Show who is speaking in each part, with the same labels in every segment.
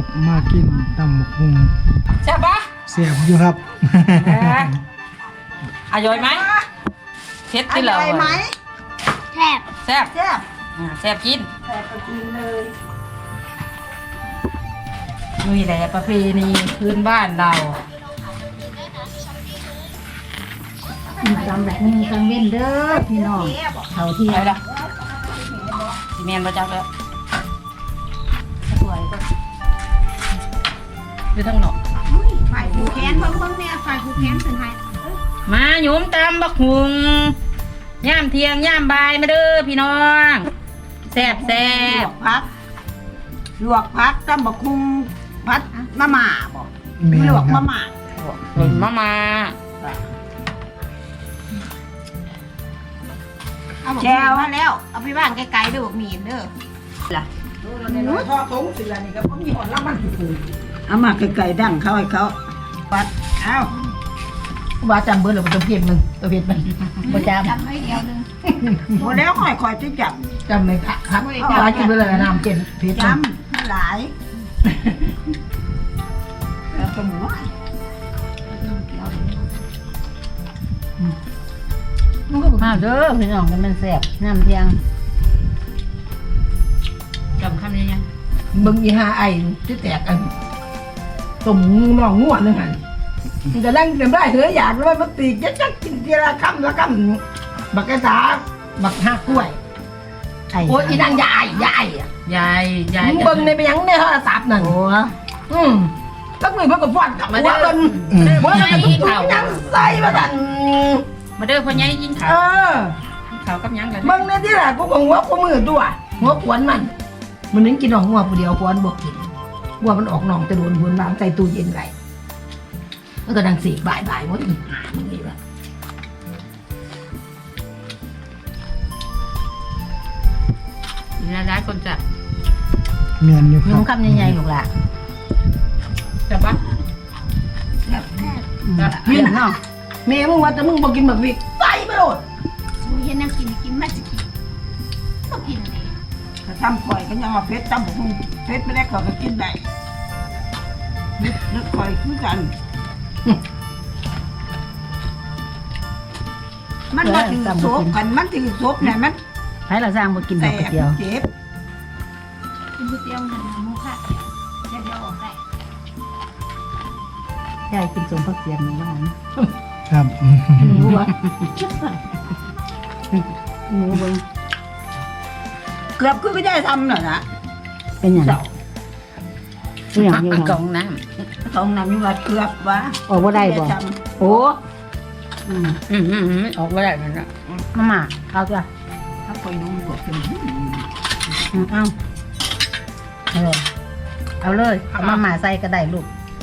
Speaker 1: มากินตำหมกหุง
Speaker 2: แซ่บปะ
Speaker 1: เสียบอยู่ครับ
Speaker 2: อร่อยไหมเผ็ดที่เราอร่อยไหม
Speaker 3: แซ่บ
Speaker 2: แซ่บ
Speaker 3: แซ่บ
Speaker 2: แซ่บกิน
Speaker 3: แซ่บก็กินเลย
Speaker 2: นี่แหละประเพณีพื้นบ้านเรา
Speaker 3: จำแบบนี้กังเว้นเด้อพี่น้องเขาที่
Speaker 2: อะไรล่ะซีเมนต์ประจักษ์แล้วสวยก็ดูทั้งหนอก
Speaker 3: ฝ่ายผูกแขนเพิ่งเนี่ยฝ่ายผูกแขนถึงไห้
Speaker 2: มาหยุมตำบักหุงย่ามเทียงย่ามบายมาเด้อพี่น้องแซ่บแซ่บ
Speaker 3: ลวกพักตำบักหุ่งพัดมะม่าบอกลวกมะม่า
Speaker 2: มา
Speaker 3: แจวแล้วเอาไปบ้านไกลๆเด้อบอกมีเด้อล่ะ
Speaker 4: ทอดถุงสิละนี่ก็มีหอนละมันคือ
Speaker 3: เอามาไกลๆดั้งเขาให้เขาปัดเอา
Speaker 2: ว่าจำเบอร์หรือว่าตัวเพียบมึงตัวเพียบมันประจำ
Speaker 3: จำไม่เดียวนึงหมดแล้วค่อยๆจะจับ
Speaker 2: จำเลยครับเอากินไปเลยน้ำเจ็ดเพียบ
Speaker 3: จำหลายแล้วก็หมู
Speaker 2: มันก็มาเด้อพี่น้องกันมันแซ่บน้ำเทียงจำคำนี้ยัง
Speaker 4: มึงอีหาไอ้ที่แตกกันสมน้องง่วนนึงหันมันจะนั่งเต็มได้เถอะอยากเลยมันตีจักกินทีละคำบักกระสาบักหักกล้วยโอ้ยอีนางยายมึงเบิ่งในไปยังในโทรศัพท์นั่นตั้งมือเพื่อกับฟอนกลับมาเดินเมื่อไหร่ทุกคนยังใส่มาดัน
Speaker 2: มาเดินพอยังยิงเขาเขากับยังกัน
Speaker 4: มึงเนี่ยที่แหละกูของหัวกูมือตัวหัวขวนมันนึกกินหนองหัวผู้เดียวขวนบวกกินหัวมันออกหนองจะโดนหัวน้ำใส่ตู้เย็นไรแล้วก็ดังสีบ่ายว่าอีหามึงนี่แบบ
Speaker 2: ร้ายคนจะ
Speaker 1: เมียนอยู่ครับ
Speaker 2: นุ่มคำใหญ่ๆหรอกล่ะจับปะ
Speaker 4: กินเนาะเมย์มึงว่าแต่มึงบอกกินแบบวิกใส่ไปโหลด
Speaker 3: เห็นน้ำกินไม่จะกินต้องกินอะไร
Speaker 4: ถ้าทำข่อยก็ยังเอาเพชรทำผมเพชรไม่ได้ข่อยก็กินได้นึกข่อยคือกันมันมาถือโซบกันมันถือโซบเนี่ยมัน
Speaker 2: ให้เราสร้างมากินแบบเดียว
Speaker 4: เจ็บ
Speaker 3: กินก๋วยเตี๋ยวกันนะมูค่ะเดี๋ยวออกได้
Speaker 2: ยายกินสมพักเสียงบ้าง
Speaker 1: ครับ
Speaker 2: หมูวะหมูเบิ้ง
Speaker 4: เกือบคือไม่ได้ทำหรอกนะ
Speaker 2: เป็นอย่างกองน้
Speaker 4: ำอยู่ว่าเกือบวะ
Speaker 2: ออกว่าได้บ่โอ้ออกว่าได้นั่นนะมาเอาจ้ะ
Speaker 4: ถ้าคอยน้องบวกเป็น
Speaker 2: เอาเลยเอามาหมาใส่ก็ได้ลูก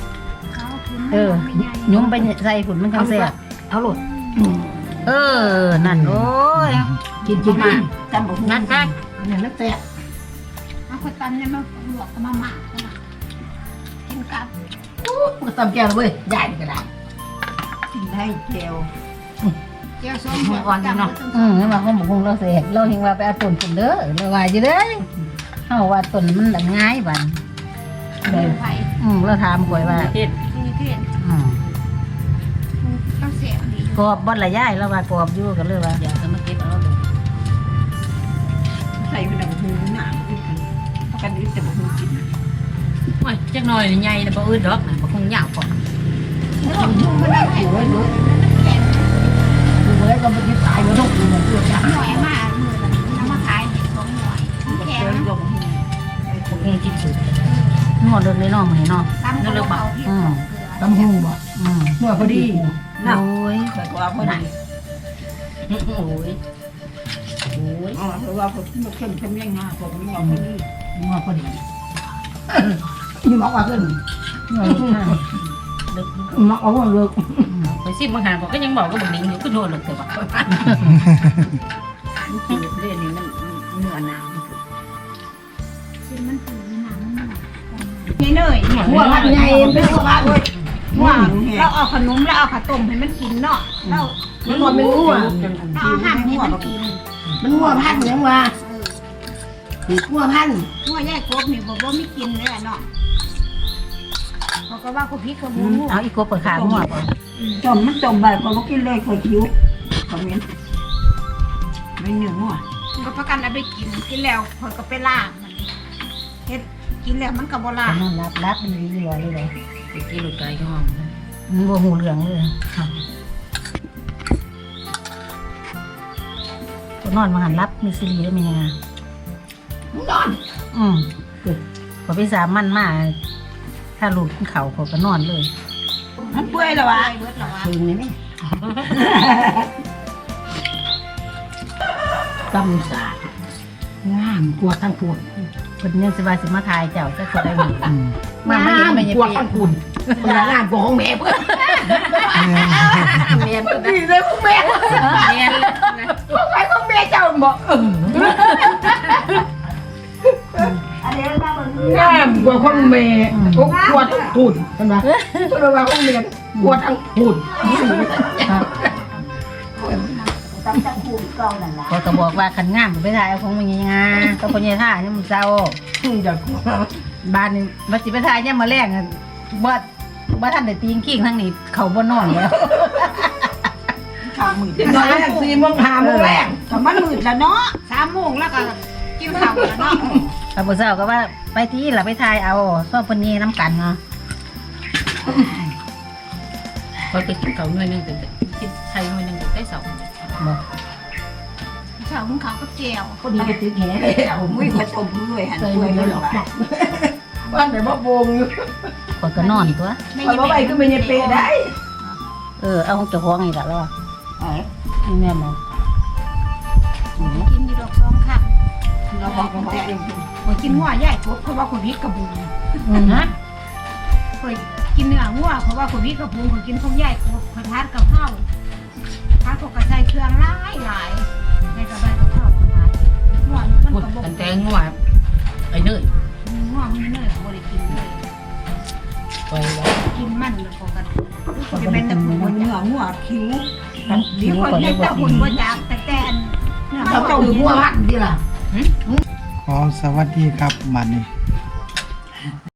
Speaker 2: ยุ้มไปใส่ฝุ่นมันทั้งเสีย
Speaker 4: เอาหลุด
Speaker 2: นั่นโอ้ย
Speaker 4: กินมาจำบอก
Speaker 2: นั่นไป
Speaker 4: เนี่ยนักเตะ
Speaker 3: เอาคนตันเนี่ยมาหลอกมาหมากินกับ
Speaker 4: มันตำแก้วเลยใหญ่ก็ได้กินได้เจล
Speaker 3: ส้มหัวอ่อน
Speaker 2: เนาะนี่มาเขาบอกคงเราเสียเราเห็นว่าไปเอาต้นฝุ่นเด้อเราว่าอยู่เด้อเขาว่าต้นมันง่ายบันเราถามก่อยว่ากรอบบดละย่ายแล้วว่ากรอบอยู่กันเลยว่าอยากจะมาเก็บเอาเลย
Speaker 4: ใส่เป็นแบบหูหนาเพราะกันนี้แต่แบบหูกิน
Speaker 2: โอ้ยจักหน่อยใหญ่แต่บ่อื้อดอกนะบ่คงยาวก่อน
Speaker 4: ไม่ได้หัวเลยก็ไม่ได้ตายแล้วทุกคนเลยตัวจ้า
Speaker 3: หน่อยมากมือน้ำมาขาย2 หน่อยแข็ง
Speaker 2: พวกนี้กินสุดนวดเลยน้องมันน้องนั่นเลยบ่
Speaker 4: ตำหูบ่นวดพอดี
Speaker 2: โอ้ย
Speaker 4: แต่ว่าพอดี
Speaker 2: โอ้ย
Speaker 4: เพราะว่าผมเข้มยังงาผมไม่ยอมพอดีนวดพอดีนี่บอกว่าขึ้นมักเอาว่าเลิก
Speaker 2: ไปซิบางหางก็ยังบอกก็บอกนิ่งอยู่ก็โดนหลุดเลยว่ะ
Speaker 4: นี่เรื่องนี้มันเนื้อหนา
Speaker 3: ชิ้นมันถือหนัง
Speaker 4: นี่เนยหัวมันใหญ่เป็นหัวมัน
Speaker 3: หัวเราเอาขนมแล้วเอาข้าวต้มให้มันกินเนาะเรา
Speaker 4: มันเป็นหัว
Speaker 3: เอาหั่นให้มันกิน
Speaker 4: มันหัวพันยังวะหัวพัน
Speaker 3: หัวใหญ่กบนี่บอกว่าไม่กินเลยเนาะ
Speaker 5: ก็ว่ากูพริกกับหมู
Speaker 2: เอาอีกกบเปิดขาหัวก่อน
Speaker 3: จมมันจมแบบก็กินเลยคอยคิ้วคอมเมนต์ไม่เหนื่อยหัว
Speaker 5: ก็ประกันเอาไปกินแล้วคนก็ไปล่างมันเฮ็ดกินแล้วมันก็บ่ล่าง
Speaker 2: นอนรับมันเรื่อยๆเลยไปกินลูกไก่ก็ห้องมันบ่หูเหลืองเลยตัวนอนมาหันรับมีซีรีส์ได้ไหมยังไง
Speaker 4: นอน
Speaker 2: พอพี่สามมันมาถ้าลูกขึ้นเขาเขาก็นอนเลย
Speaker 3: มันเปื่อยแล้ววะ
Speaker 5: เบิดแล้ววะ
Speaker 2: คืนนี้ไหม
Speaker 4: กำสาดงามกลัวทั้งปวด
Speaker 2: คนยังสิว่าสิมาทายเจ้าจะคนได้หมด
Speaker 4: มาไม่ยังไม่กลัวทั้งปุ่นงามกว่าของแม่เพื่อน
Speaker 2: เมียนก็ได้
Speaker 4: ดีเลยของแม่
Speaker 2: เมียนเลยนะ
Speaker 4: ไปของแม่เจ้าบอก
Speaker 3: อันนี้มาเบิ่ง
Speaker 4: งามกว่าของแม่กลัวทั้งปุ่นเห็นไหมก็เลยว่าของแม่กลัวทั้งปุ่น
Speaker 3: ตำจักคูเก่านั่นล่ะ
Speaker 2: เขาก็บอกว่าขันงามไปทายเอาของมันยังไงก็คนยังท่าเนี่ยมันเศร้า
Speaker 4: อยากกลัว
Speaker 2: บ้านนี่มาสิไปทายเนี่ยมาแรงบ่ท่านได้ตีนขี้งทั้งนี้เขาบ่นอนแล้ว
Speaker 3: ข้าวมืด
Speaker 4: ตอนแรก4 โมง 5 โมงแรก
Speaker 3: ก็มันมืดแล้วเนาะ
Speaker 5: 3 โมงแล้วก็กินข้าวแล้วเนาะ
Speaker 2: พระพุทธเจ้าก็ว่าไปที่หล่ะไปทายเอาซ่อมปนีน้ำกันเนาะก็ไปกินเขาหน่วยนึงแต่กินไทยหน่วยนึงแต่ได้สองบอก
Speaker 5: ข้าวมึงข้าวกับแจ่ว
Speaker 4: คนนี้ไปตึกแห่แล้ว
Speaker 3: อุ้ยขอตบด้วยหัน
Speaker 4: ใส่
Speaker 3: เปื่อย
Speaker 4: ไม่
Speaker 3: แล้ว
Speaker 4: หรอก
Speaker 3: ว่ะ
Speaker 4: บ้านไหนบ่วงอยู่
Speaker 2: คนก็นอนตัว
Speaker 4: พอไปก็ไม่ยังเปได้
Speaker 2: เอาของเจ้าของอีกแล้ว
Speaker 3: เอ้ย
Speaker 2: นี่แม่บอก
Speaker 5: กินอยู่ดอก2ค่ะ
Speaker 3: เราบอกกันแต่
Speaker 5: ข่อยกินหัวใหญ่กบเพราะว่าข่อยพริกกับหมู
Speaker 2: ฮะ
Speaker 5: ข่อยกินเนื้อหัวเพราะว่าข่อยพริกกับหมูข่อยกินข้าวใหญ่กบข่อยทานกับข้าวทานกับใส่เครื่องหลายในกระบะกับข้าวทานหัวมัน
Speaker 2: พูด
Speaker 5: ก็บ่
Speaker 2: กันแต่งว่าไอ้เนย
Speaker 5: หัวมันเนื้อบ่ได้กินเลย
Speaker 2: ไปแล้ว
Speaker 5: กินมันแล้วก็กัน
Speaker 3: จะเป็นแต่หัวเนื้อหัวคิ้ว
Speaker 5: ดีคนเฮ็ดแต่หุ่นบ่จักแต่แต่เนื้อ
Speaker 4: เขาต้องหัวพันดีล่ะ
Speaker 1: ขอสวัสดีครับบัดนี้